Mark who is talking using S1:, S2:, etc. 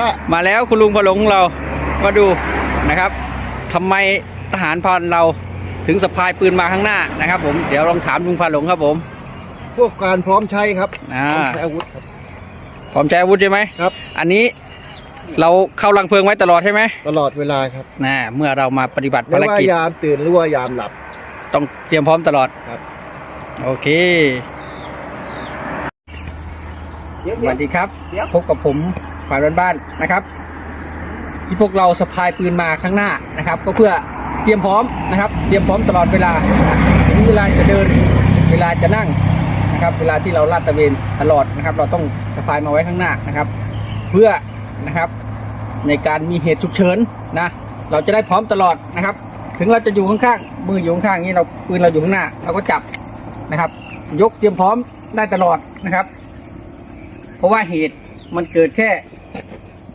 S1: มาแล้วคุณลุงพะหลงของเรามาดูนะครับทำไมทหารพรานเราถึงสะพายปืนมาข้างหน้านะครับผมเดี๋ยวลองถามลุงพะหลงครับผม
S2: พวกการพร้อมใช้ครับ
S1: พร้อม
S2: ใช้อาวุธครับ
S1: พร้อมใช้อาวุธใช่ไหม
S2: ครับ
S1: อันนี้เราเข้ารังเพลิงไว้ตลอดใช่ไหม
S2: ตลอดเวลาครับ
S1: เมื่อเรามาปฏิบัติ
S2: ไม่
S1: ภาร
S2: ว่า
S1: กิจ
S2: ยามตื่นหรือว่ายามหลับ
S1: ต้องเตรียมพร้อมตลอด
S2: ครับ
S1: โอเคสวัสดีครับพบกับผมฝ่ายบ้านๆนะครับที่พวกเราสะพายปืนมาข้างหน้านะครับก็เพื่อเตรียมพร้อมนะครับเตรียมพร้อมตลอดเวลาถึงเวลาจะเดินเวลาจะนั่งนะครับเวลาที่เราลาดตระเวนตลอดนะครับเราต้องสะพายมาไว้ข้างหน้านะครับเพื่อนะครับในการมีเหตุฉุกเฉินนะเราจะได้พร้อมตลอดนะครับถึงเราจะอยู่ข้างๆมืออยู่ข้างๆนี้เราปืนเราอยู่ข้างหน้าเราก็จับนะครับยกเตรียมพร้อมได้ตลอดนะครับเพราะว่าเหตุมันเกิดแค่